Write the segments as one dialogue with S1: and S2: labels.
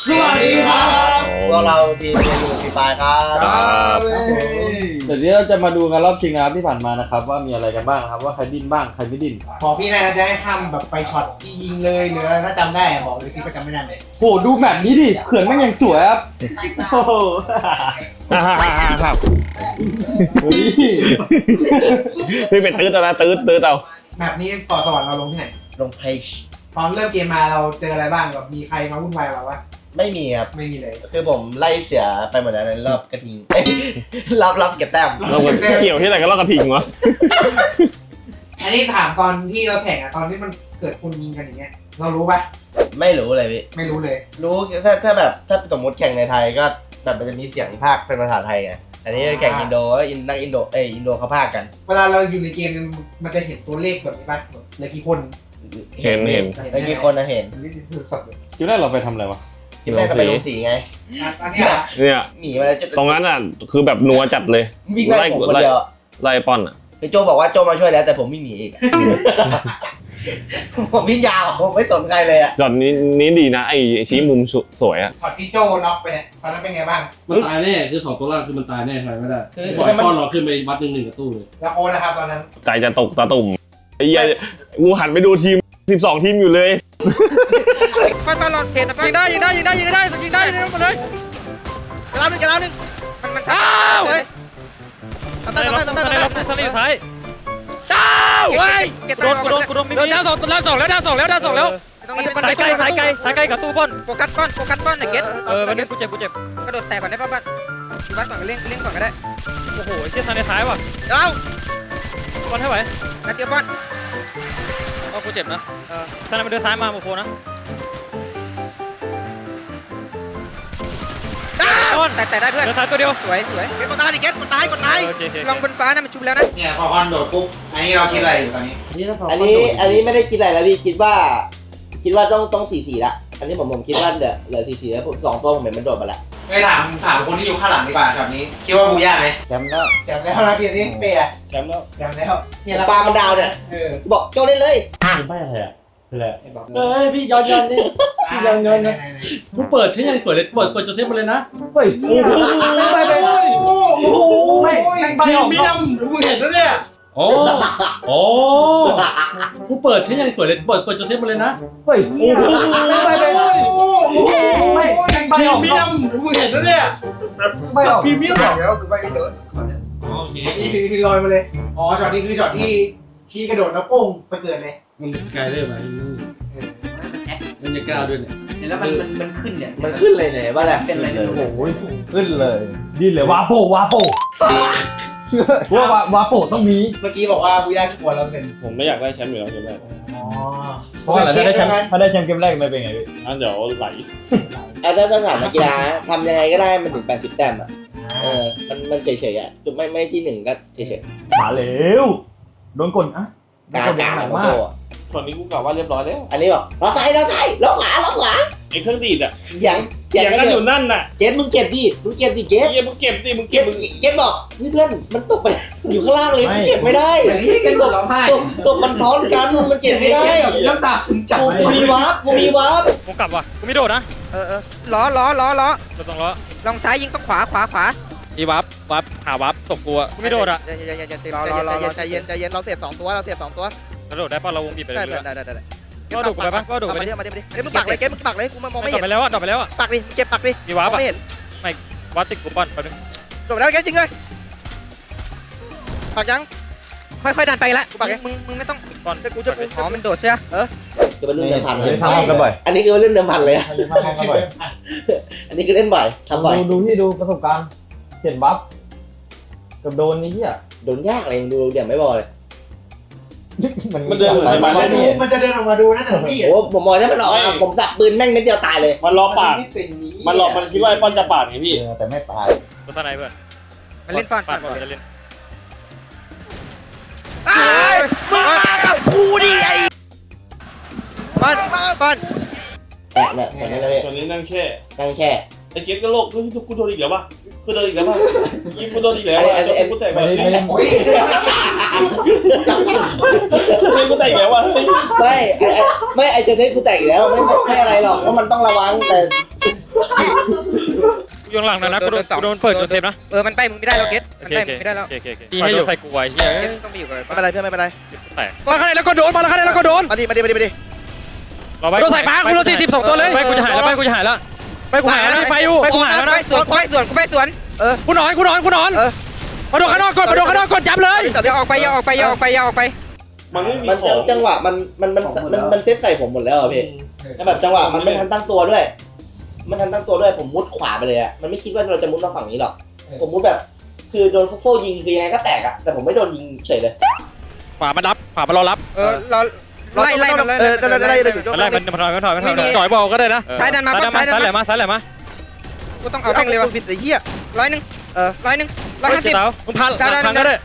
S1: สวัสดีครับพวกเราทีมเรียนอยู่ปีปลายครับเดี๋ยวนี้เราจะมาดูกันรอบชิงนะครับที่ผ่านมานะครับว่ามีอะไรกันบ้างนะครับว่าใครดิ้นบ้างใครไม่ดิ้น
S2: พอพี่นายจะให้ทำแบบไปช็อตที่ยิงเลยหรือถ้าจำได้บอกเลยพี่ก็จำไม่ได้เลย
S1: โหดูแบบนี้ดิเขื่อนแม่งยังสวยครับโอ้โห
S3: ครับ
S1: เฮ้ย
S3: พี่เป็นตื้อนะตื้อเอา
S2: แบบนี้ต่อสวรรค์เราลงที่ไหน
S1: ลงเพจ
S2: ตอนเริ่มเกมมาเราเจออะไรบ้างแบบมีใครมาวุ่นวายกับเราปะ
S1: ไม่มีครับ
S2: ไม่มีเลย
S1: คือผมไล่เสียไปหมดแล้วในรอบกระทิงรับเก็บแต้ม
S3: เราเกี่ยวที่ไหนก็เรากระทิงวะ
S2: อันนี้ถามตอนที่เราแข่งอะตอนที่มันเกิดคนยิงกันอย่างเงี้ยเรารู้ปะ
S1: ไม่รู้เลยพี่
S2: ไม่รู้เลย
S1: รู้ถ้าแบบถ้าสมมติแข่งในไทยก็แบบมันจะมีเสียงภาคเป็นภาษาไทยไงอันนี้แข่งอินโดก็นักอินโดอินโดเขาภาคกัน
S2: เวลาเราอยู่ในเกมเนี่ยมันจะเห็นตัวเลขแบบนี้ปะเหลือกี่คน
S3: เห็น
S1: ไอ้กี่คนนะเห็น
S2: นี่คือสับเลย
S4: คิดว่าเราไปทำอะไรวะ
S1: คิดแรกก็ไปลงสีไง
S2: อันเนี้ยอะ
S3: เนี่ย
S1: หนีมาจะ
S3: ตรงนั้นอ่ะคือแบบนัวจัดเลย
S1: วิ่งไล่ผมคนเดียว
S3: ไล่ป้อนอ่ะ
S1: ไอ้โจบอกว่าโจมาช่วยแล้วแต่ผมไม่หนีอีก ผมวิ่งยาวผมไม่สนใครเลยอ่ะ
S3: จอดนี้ดีนะไอ้ชี้มุมสวยอ่ะ
S2: ช็อตที่โจน็อกไปเนี่ยตอนนั้นเป็นไงบ้าง
S4: มันตายแน่คือ2ตัวล่างคือมันตายแน่ใครไม่ได้
S1: คือ
S4: ปล่อยป้อนเราขึ้นไปวัดหนึ่งกับตู้เลย
S2: แล้วโค้ชนะครับตอนนั้น
S3: ใจจะตกตาตุ่มไอ้เหี้ยงูหันไปดูทีม12ทีมอยู่เลย
S5: ปั้นหลอดเขตนะปั้นยิงได้ยิงได้ยิงได้ยิงได้ยิงได้หมดเลยกระลาหนึ่งมันอ้าวทำได้ทำได้ซ้ายดาวเฮ้ยกูโดนดาวสองแล้วดาวสองแล้วตรงนี้สายไกลกับตู้ป้อนโฟกัสป้อนไอ้เก็ตวันนี้กูเจ็บกระโดดแตกก่อนได้ป่ะบ้านก่อนก็เล่นก่อนก็ได้โอ้โหเชี่ยทางในซ้ายว่ะดาวป้อนให้ไหวนัดเดียวป้อนกูเจ็บนะถ้ามันเดินซ้ายมาโมโฟนะแต่ได้เพื่อนเดินซ้ายตัวเดียวสวยเก็ตกดตายดิเก็ตกดตายลองบนฟ้านะมันชุบแล้วนะ
S2: เนี่ยพอคอนโดดปุ๊บอันนี้เราคิดอะไรอยู่ตอนนี้
S1: อันนี้ไม่ได้คิดอะไรแล้วพี่คิดว่าต้อง4-4ละอันนี้ผมคิดว่าเหลือ4-4แล้วผม2ตัวผมเห็นมันโดดมาแล้ว
S2: ไปถามคนที่อยู่ข้างหลังดีกว่าช็อตนี้คิดว่าบูย่าไหม
S1: แชมป์แล้ว
S2: แชมป์แล้วนะพี่นี่เป๊ะ
S4: แชมป์แล้ว
S2: แชมป์แล้ว
S1: ปลามันดาวเนี่ยบอกโจเล่นเลย
S4: เป็นไปอะไรอ่ะคืออะไรเฮ้ยพี่ย้อนนี่พี่ย้อนนะกูเปิดที่ยังสวยเลยเปิดโจเซฟมาเลยนะเฮ้ยโอ้โหไม่พรีเมียมมึงเห็นแล้วเนี่ยโอ้กูเปิดที่ยังสวยเลยเปิดโจเซฟมาเลยนะเฮ้ยโอ้โหไม่พรีเมียมมึงเห็นแล้วเนี่ย
S2: ไม่ออก
S4: พรีเมียม
S2: เดี๋ยวคือไปโดด
S4: โอเค
S2: นี่ลอยมาเลยอ๋อช็อตนี้คือช็อตที่ชี้กระโดดแล้วโป้งไปเกิดเลย
S4: มันสกายเลยไหมมันจะกล้าด้วยเนี่ย
S2: แล้วมันขึ้นเนี่ย
S1: มันขึ้นเลยเนี่ยว่าแหละเป็นอะไรเลยโอ้ยขึ้นเลย
S4: ดิ้นเลยวาโปว่าโปต้องมี
S2: เมื่อกี้บอกว่าบูย่าชัวร์แล้วเป็น
S3: ผมไม่อยากได้แชมป์อยู่แล้วใช่ไหม
S2: อ๋อ
S4: เพราะอะไรถ้าได้แชมป์เกมแรกมันเป็นไงพี่
S3: งั้นเดี๋ยวไหล
S1: ถ้าถามนักกีฬาทำยังไงก็ได้มันถึง80แต้มอ่ะมันเฉยๆอ่ะจุดไม่ที่1ก็เฉย
S4: มาเร็วโดนกดอ่ะ
S1: ๆกลางๆของโจอ่ะ
S3: ตอนนี้กูกล่าวว่าเรียบร้อยแล้ว
S1: อันนี้บอกเราซ้ายเราขวา
S3: ไอ้เครื่องดีดอ่ะ
S1: เสียง
S3: กันอยู่นั่นน่ะ
S1: เกตมึงเก็บดิเกต
S3: มึงเก็บดิมึงเก็บ
S1: เกตบอกนี่เพื่อนมันตกไปอยู่ข้างล่างเลยมันเก็บไม่ได้
S2: อย่างนี้กันหมดร้องไห้
S1: ศพมันซ้อนกันมันเก็บไม่ได้
S2: น้ำตาซึมจับ
S1: กูมีวาร์ป
S5: กูกลับว่ะกูไม่โดดนะล้อตัวตรงล้อลองซ้ายยิงต้องขวาอีวับหาวับตบกูอ่ะกูไม่โดดอ่ะใจเย็นเราเสียบ2ตัวกระโดดได้ป่ะเราวงบีบไปเลยได้ก็โดดกูไปป่ะก็โดดไปดิมึงปักเลยกูมองไม่เห็นดรอปไปแล้วอ่ะปักดิเก็บปักดิอีวับไม่เห็นไม่วับติดกูป้อนไปนึงโดดแล้วแกจริงเลยปักยังค่อยดันไปละกูปักยังมึงไม่ต้องป้อนกูจะอ๋อมันโดดใช่ไหม
S1: จะเป็นเรื่องเดิมพันเลย
S4: ทำกันบ่อย
S1: อันนี้คือเรื่องเดิมพันเลยอันนี้คือเล่นบ่อยทำบ่อย
S4: ดูประสบการณ์เห็นบัฟกับโดนนี่เหี้ย
S1: โดนยากอะไรดูเดี๋ยวไม่บอกเลย
S3: มันเดินเหมือนจะมาเล่น
S2: มันจะเดินออกมาดูนะแต่พี่
S1: โอ้ผมมองได้มันออกผมสับปืนแม่งนิดเดียวตายเลย
S3: มันรอปาดมันคิดว่าไอ้ป้อนจะปาดไงพี่
S4: แต่ไม่ตาย
S5: ตัวสไนเพื่อนมันเล่นป้อนจะเล่น
S1: มึงมากับกูดิไอ้
S5: ป้อน
S1: เนี่ยตอนนี้เลย
S3: ตอนนี้นั่งแช่
S1: นั่งแช่
S3: ไอ้เก็ตก็โลกกูโดนอีกแล้วป่ะกูโดนอีกแล้วยิงกูโดนอีกแล้วกูแตกไป
S2: โอ้ย
S3: กูแตกแล้วว่ะ
S1: ไม่ไอเจเทสกูแตกอีกแล้วไม่อะไรหรอกเพราะมันต้องระวังแต่
S5: อยู่ข้างหลังนะกูโดนเปิดโดนเซฟนะมันไปมึงไม่ได้แล้วเกตมันไปมึงไม่ได้แล้วดีให้อยู่ใส่กูไว้เฮียต้องไปอยู่กันไม่เป็นไรเพื่อนไม่เป็นไรแตกมาข้างในแล้วก็โดนมาข้างในแล้วก็โดนมาดิโดนสายฟ้ากูโดน42ตัวเลยไปกูจะหายแล้วไปกูหายแล้วไปอยู่ไปกูหายแล้วนะไปสวนกูนอนมาโดนข้างนอกก่อนจับเลยอย่าออกไป
S3: มันไม่มี
S1: มัน
S3: ของ
S1: จังหวะมันเซตใส่ผมหมดแล้วอะพี่แล้วแบบจังหวะมันไม่ทันตั้งตัวด้วยผมมุดขวาไปเลยอะมันไม่คิดว่าเราจะมุดมาฝั่งนี้หรอกผมมุดแบบคือโดนโซ่ยิงคือยังไงก็แตกอะแต่ผมไม่โดนยิงเฉยเลย
S5: ขวามารอรับไล่มันจ่อยบอลก็ได้นะซ้ายดันมาซ้ายไหลมากูต้องเอาแม่งเลยวะผิดไอ้เหี้ย100 150มึงพันก็ได้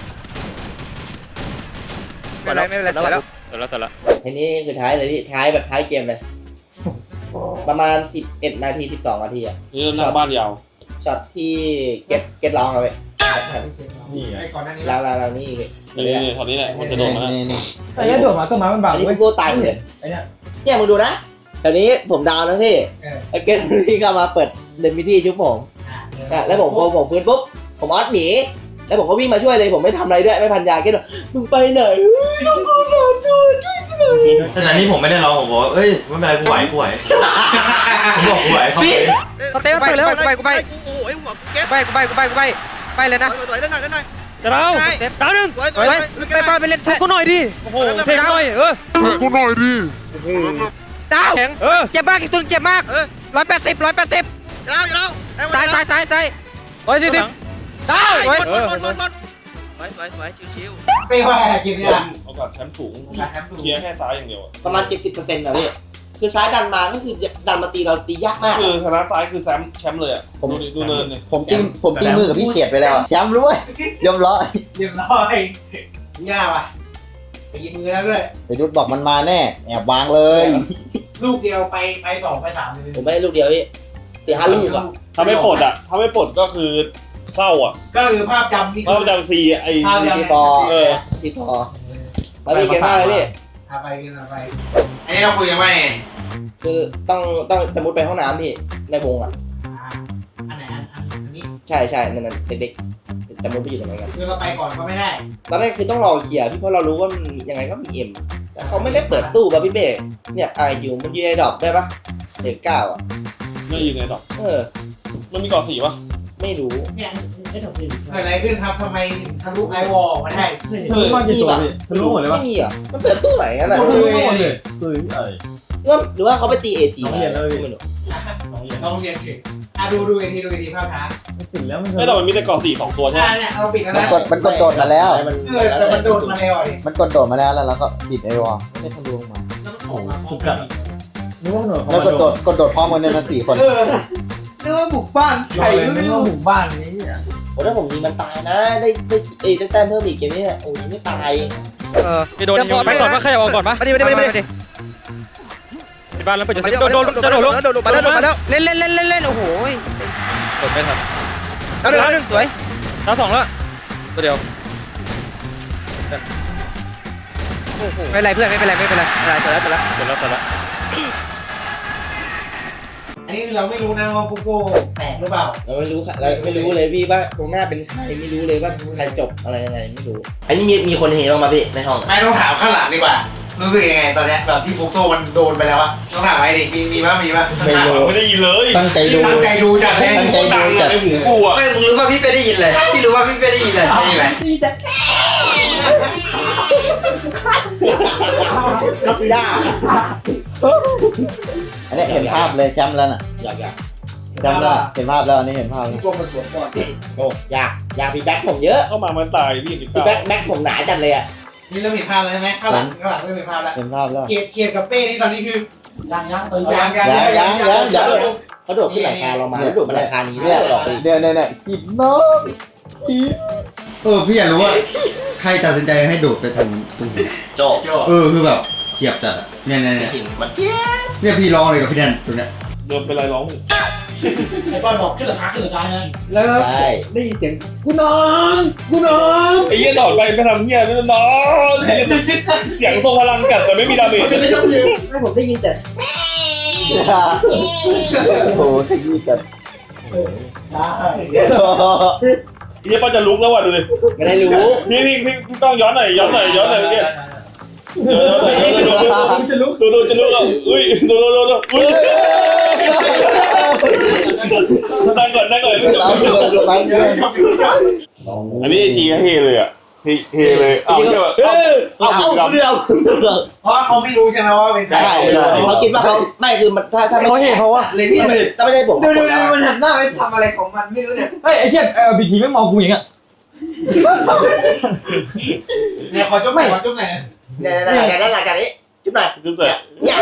S5: ไม่เป็นไรแล้ว
S1: ทีนี้คือท้ายเลยพี่ท้ายแบบท้ายเกมเลยประมาณ11 นาที 12 นาทีอะ
S3: นี่เราหน้าบ้านยาว
S1: ช็อตที่เก็ตร้องเอาไว้
S4: นี่ไง
S2: ไอ้ก่อนหน้านี้
S1: เรานี่พี่
S3: นี่ตอนนี้แหละมันจะโดนมา
S4: ไอ้โดดมาต้นไม้มันบัง
S1: อันนี้
S4: เว้ย
S1: โซ่ตายเลย
S4: ไอ้เนี่ย
S1: เนี่ยมึงดูนะตอนนี้ผมดาวนะพี่ไอ้เก็ตที่เข้ามาเปิดเดนมิตี้ชุบผมแล้วผมฟื้นปุ๊บผมออสหนีแล้วผมก็วิ่งมาช่วยเลยผมไม่ทำอะไรด้วยไม่พันยาเก็ตมึงไปไหนลูกกูสามตัวช่วยกูหน่อย
S6: ขณะนี้ผมไม่ได้ร้องผมบอกว่าเอ้ยไม่เป็นไรกูไหวผมบอกกูไหวเขาไป
S5: เตะไปแล้วกูไป
S7: โอ้ยหัวเก็ต
S5: ไปเลยนะ
S7: สวยได้หน่อย
S5: เดี๋ยวเราดาวหนึ่งไปเล่นกูหน่อยดิโอ้โหเพลงหน่อยดาวเจ็บมากอีกตัวเจ็บมาก180
S7: เรา
S5: ซ้าย140ดาว
S7: สวยชิว
S2: ไปว่าเกมนี้อะ
S3: โอกาสแชมป์สูงเคลียร์แค่ซ้ายอย่างเดียว
S1: ประมาณ 70%นะพี่คือซ้ายดันมาก็คือดันมาตีเราตียากมาก
S3: คือชนะซ้ายคือแชมป์เลยอ่ะดูเนินเนี่ย
S1: ผมตีมือกับพี่เขียดไปแล้วแชมป์รู้ไหมยอมร้อย
S2: เรียบร้อยง่ายว่ะไปยิงมือแล้วด้วย
S1: ไปดุดบอกมันมาแน่แอบวางเลย
S2: ลูกเดียวไป2 ไป 3เลย
S1: ผมไม่ได้ลูกเดียวพี่4-5 ลูกอ่ะ
S3: ถ้าไม่ปลดก็คือเศร้าอ่ะ
S2: ก็คือภาพจำนี่
S3: เพราะจำซีไอ้
S1: ซีปอซีปอมาพี่เก่งมากเลยพี่
S2: ไปอันนี้เราคุยกันว่าไง
S1: คือต้องจะมุดไปห้องน้ำพี่ในวงอ่ะ
S2: อันไหนอันนี้
S1: ใช่นั่นเด็กๆจะมุดไปอยู่ตรงไหนกัน
S2: คือเราไปก่อนก็ไม่ได้
S1: ตอนแรกคือต้องรอเคลียร์พี่เพราะเรารู้ว่ามันยังไงก็มีเอ็มแต่เขาไม่ได้เปิดตู้ป่ะพี่เบ้เนี่ยไอคิวมันยืนในดอกได้ปะเด็ก9อ่ะ
S3: ไม่ยืนในดอกมันมีเกาะสีป่ะ
S1: ไม่รู้
S2: เนี่ยเกิดอะไรขึ้นครับทำไมทะลุไอวอลออกมาได้
S4: ทะลุมากี่ตัวพี่ทะลุหมดเลยวะ
S1: ไม่มีอ่ะมันเปิดตู้ไหนกันอ่ะ
S4: ทะลุหมดเลยเฮ้ยอะไร
S1: หรือว่าเขาไปตีเอจี
S4: น้องเรียนแล้วพี่
S1: ไม่รู้
S2: น้องเรียนถึงดูอีกทีภาพช้า
S4: ถึงแล้วมัน
S3: ไม่แต่มันมีแต่เกาะสี2 ตัวใช่ไหม
S2: เนี่ยเราปิดกันแล้ว
S8: มันกดโดดมาแล้ว
S2: แต่มันโดนมาแล้วดิ
S8: มันกดโดดมาแล้วแล้วเราก็บิดไอวอลไม่ทะลุลงมา
S2: แล้วมันออกมา
S4: สุดกัดนึกว่าหน่วย
S8: แล้วกดโดดพร้อมกันเนี่ยนะ4 คน
S2: นึกว่าบุกบ้านใคร
S4: ไม่รู้หมู่บ้านนี้อ่ะ
S1: โอ้ถ้าผมยิงมันตายนะได้แต้มเพิ่มอีกเกมนี้โอ้ยไม่ตาย
S5: จะโดนยิงไปก่อนปะใครจะเอาก่อนปะมาดิที่บ้านแล้วไปจะโดนมาแล้วเล่นโอ้โหกดไม่ทันดาวหนึ่งสวยดาว2แล้วตัวเดียวไม่เป็นไรเพื่อนไม่เป็นไรเสร็จแล้ว
S2: อันนี้คือเราไม่รู้นะว่าฟุโก้แตกหรือเปล่า
S1: เราไม่รู้เลยพี่ว่าตรงหน้าเป็นใครไม่รู้เลยว่าใครจบอะไรยังไงไม่รู้อันนี้มีคนเฮบ้างมาพี่ในห้อง
S2: ไม่ต้องถามข้างหลังดีกว่ารู้สึกยังไงตอนเนี้ยแบบที่ฟุโก้มันโดนไปแล้วอะต้องถามไอ้ดิมีป่ะ
S8: ไม่รู้
S3: ไม่ได้ยินเลย
S8: ตั้งใจดู
S2: ตั้งใจดูจัดเลย
S8: ตั้งใจดูจัด
S3: ในหูกูอ่ะ
S5: ไม่รู้ว่าพี่เป้ได้ยินเลยพี่รู้ว่าพี่เป้ได้ยินเลย
S2: นี่แหละ
S1: นี่จะกาซิด้า
S8: อันนี้เห็นภาพเลยแชมป์แล้วน่ะ
S1: อยาก
S8: แชมป์แล้วเห็นภาพแล้วอันนี้เห็นภาพแล้ว
S2: ฟุโก้มันสวนก่อน
S1: โอ้อยากมีแบ็คผมเยอะ
S3: เข้ามามันตายพี่
S1: มีแบ็คผมหนาจัดเลยอ่ะ
S2: นี่เริ่มเห็นภาพแล้วใช่ไหมข้างหลังเริ่มเห็นภาพแล้ว
S8: เห็นภาพแล้ว
S2: เกียร์กับเป้นี่ตอนนี้คือ
S1: ยัง
S2: ยัง
S1: เขาโดดขึ้นหลังคาเรามาแล้วโดดมาหลังคานี้ด้วยหรอก
S8: เนี่ยหินน้องหิน
S9: พี่อยากรู้ว่าใครตัดสินใจให้โดดไปทางตรงนี้
S1: โจ
S9: คือแบบเขียบจัดอะเนี่ย
S1: หินมัน
S9: เนี่ยพี่ร้องเลยกับพี่แดนตรงเนี้ย
S3: เดินเป็นไรร้อง
S2: ไอ้บอลบอกขึ้นหลังคาไง
S1: แล้วได้ยินเสียงกูนอน
S3: ไอ้เหี้ยดอดไปไม่ทำเหี้ยไม่นอนเสียงทรงพลังจัดแต่ไม่มีดาเมจ
S1: ไม่ผมได้ยินแต่
S8: โอ้โหขยี้จัด
S3: ยี่ป้าจะลุกแล้วว่ะดูดิ
S1: ไม่ได้รู้
S3: พี่กล้องย้อนหน่อยเมื่อกี้ย้อนหน่อยจะลุกดูจะลุกแล้วอุ้ยดูอุ้ยนั่งก่อน
S8: ตามเพื่อน
S3: อันนี้จีเฮเลยอ่ะเฮเลยเอาใช่ป่ะ
S1: เอาเรื่อง
S2: เพราะว่าเขาไม่รู้ใช่ไหมว่าเป็นใคร
S1: ใช่เขาคิดว่าเขาไม่คือมันถ้าไม่
S5: เขาเห็นเขาว่า
S2: เลยพี่เลย
S1: ถ้าไม่ใช่ผม
S2: ดูมันหันหน้าไปทำอะไรของมันไม่รู้เนี่ย
S5: เฮ้ยไอ้เชี่ยบีทีไม่มองกูอย่างเงี้ย
S2: เนี่ยขอจุ๊บหน่อย
S1: เนี่ยหลังจากนี้จุ๊บหน่อย
S3: จุ๊บแต่
S1: เนี่ย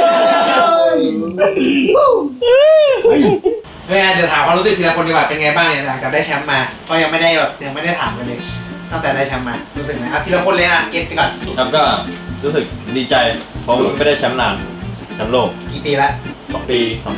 S2: ไม่งั้นเดี๋ยวถามความรู้สึกทีละคนดีกว่าเป็นไงบ้างเนี่ยหลังจากได้แชมป์มาก็ยังไม่ได้ถามกันเลยตั้งแต่ได้แชมป์มารู้สึกไงอ่ะทีละคนเลยอ่ะเก็ตไปก่อน
S6: ครับก็รู้สึกดีใจเพราะไม่ได้แชมป์นานแชมป์โลก
S2: กี่ปีละ
S6: 2 ปี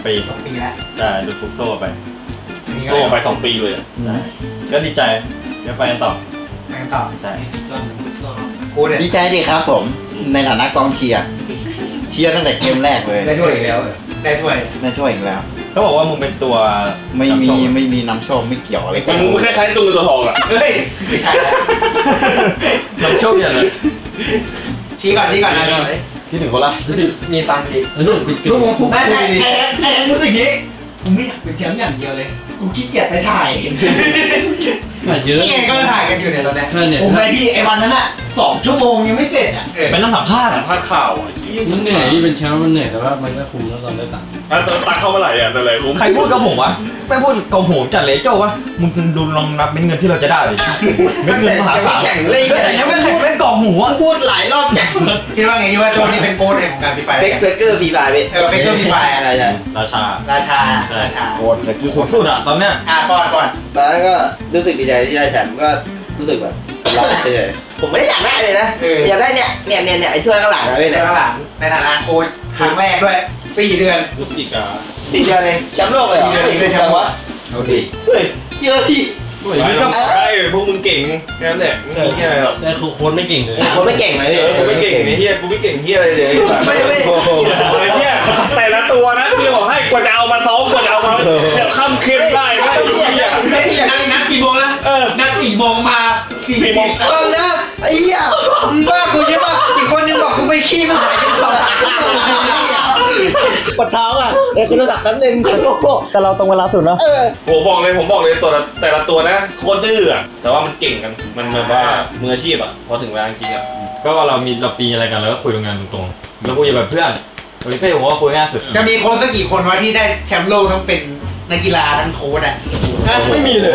S2: 2 ปีแล้ว
S6: ใช่ดูฟุกโซ่ไป
S2: อันนี้ก็
S3: โซ่ไป2 ปีเลย
S6: ก็ดีใจเดี๋ยวไปกันต่อ
S2: ไปกันต่อ
S6: ใช่
S2: กูเนี่ย
S8: ดีใจดิครับผม ในฐานะกองเชียร์ตั้งแต่เกมแรกเลย
S2: ได้ถ้วยอีกแล้วได้ถ้วย
S8: ได้ช่วยอีกแล้ว
S6: เขาบอกว่ามึงเป็นตัว
S8: ไม่มี
S6: นำโชค
S8: ไม่มีน้ำโชคไม่เกี่ยวอะไรกัน
S3: มึงคล้ายๆตัวเงินตัวทองอ่ะ
S2: เฮ้ยไม่ใช่แล้ว
S6: นำโชคอย่างไร
S2: ชี้ก่อนนะ
S6: คิดถึงคนละ
S2: มีตังค์ดิ
S4: แล้วผิด
S2: ลูกผมไอ้รู้สึกงี้กูไม่อยากเป็นแชมป์อย่างเดียวเลยกูขี้เกียจไปถ่าย
S4: ถ่ายเยอะ
S2: นี่ไงก็ถ่ายกันอยู่เนี่ยตอนนี้
S4: ใช่เนี่ย
S7: โอ้ยพี่ไอ้วันนั้นอ่ะ2 ชั่วโมงยังไม่เสร็จอ่ะ
S6: เป็นนักสัมภาษณ์
S3: พลาดข่าวอ่ะ
S4: มันเหนื่อยพี่เป็นแชมป์มันเหนื่อยแต่ว่ามันก็คุ้มแล้วตอนได้ตังค์
S3: ตักเข้ามาไหร่อ่ะแต่ไหนผม
S6: ใครพูดกับผมวะไม่พูดกับผมจัดเลยโจ้วะมึงดูลองนับเป็นเงินที่เราจะได้เลยเป็นเงินมหาศาล
S7: แข่งเลย
S6: แต่ยังไม่แข่งเป็นกล่องหมูอ่ะ
S7: พูดหลายรอบจัง
S2: คิดว่าไงคิดว่าโจนี่เป็นโค้ชของการฟีไฟ
S1: เฟกเกอร์ฟรีไฟพี่
S2: เฟกเกอร์ฟีไฟ
S1: ใช่ใช่
S6: ราชา
S2: ราชา
S8: โคตรเลย
S6: อยู่สูงสุดอ่ะตอนเนี้ย
S2: ก่อน
S1: ตอนนั้นก็รู้สึกดีใจที่ได้แชมป์ก็รู้สึกแบบเราเฉยผมไม่ได้อยากได้เลยนะอยากได้เนี่ยไอ้ถ้วยข้างหลังนะพี่
S2: ใน
S1: เนี่ย
S2: หลังในฐานะโค้ชครั้งแรกด้วย4 เดือน
S6: รู้สึกอ่ะ
S1: ดีใจเลยแชมป์โลกเลยเหรอ
S2: 4 เดือนแชมป์วะ
S6: โอเค
S1: เฮ้ยเยอะพี่
S3: ใช่พวกมึงเก่งแค่นั้นแหละไม่มีแค่อะไรหรอก
S4: แต่โค้ชไม่เก่งเลย
S1: คนไม่เก่งเลยพี่
S3: กูไม่เก่งไอ้เหี้ยกูไม่เก่งเหี้ยอะไรเลย
S1: ไม่
S3: ไอ้เหี้ยแต่ละตัวนะพี่บอกให้กว่าจะเอามาซ้อมกว่าจะเอามาค่ำเข้มได้นะไอ้เหี้ย
S2: นัดกี่โมงนะนัด4 โมงมา
S3: 4 โมง
S7: ตอนนะไอ้เหี้ยมึงบ้ากูใช่ปะอีกคนนึงบอกกูไปขี้มันหายไป2 ชั่วโมงเนี่ย
S1: ปวดท้องอ่ะเดี๋ยวคุณโทรศัพท์แป๊บนึงโอ้โห
S5: แต่เราตรงเวลาสุดเนาะ
S3: ผมบอกเลยตัวแต่ละตัวนะโคตรดื้ออ่ะแต่ว่ามันเก่งกันมันแบบว่ามืออาชีพอ่ะพอถึงเวลาจริงอ่ะ
S6: ก็เราปีอะไรกันแล้วก็คุยงานตรงๆแล้วคุยแบบเพื่อนวันนี้เป้ผมว่าคุยง่ายสุด
S2: จะมีโค้ชสักกี่คนวะที่ได้แชมป์โลกทั้งเป็นนักกีฬาทั้งโค้ชอ่ะ
S6: ไม่มีเลย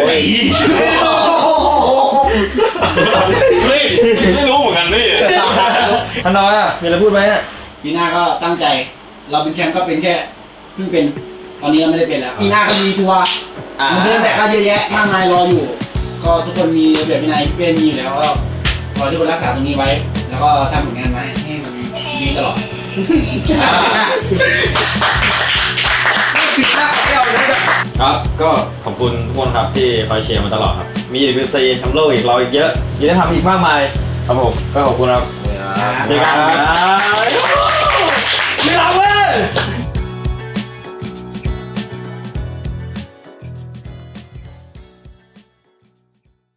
S3: เฮ้ยไม่รู้เหมือนกันนี่
S6: ท่านน้อยอ่ะมีอะไรพูดไหมเนี่ย
S7: ปีหน้าก็ตั้งใจ เราเป็นแชมป์ก็เป็นแค่เพิ่งเป็นตอนนี้เราไม่ได้เป็นแล้วปีหน้าก็มีทัวร์เดินแบบก็เยอะแยะมากมายรออยู่ ก็ทุกคนมีระเบียบวินัยเพื่อนมีอยู่แล้วก็ขอให้ทุกคนรักษาตรงนี้ไว้ แล้วก็ทำผลงานไว้ให้มันดีตลอด
S6: ครับ ก็ขอบคุณทุกคนครับที่คอยเชียร์มาตลอดครับ มีWCแชมป์โลกอีกเราอีกเยอะยังได้ทำอีกมากมายครับผมก็ขอบคุณครับเจอกันครับไม่รับเว้ย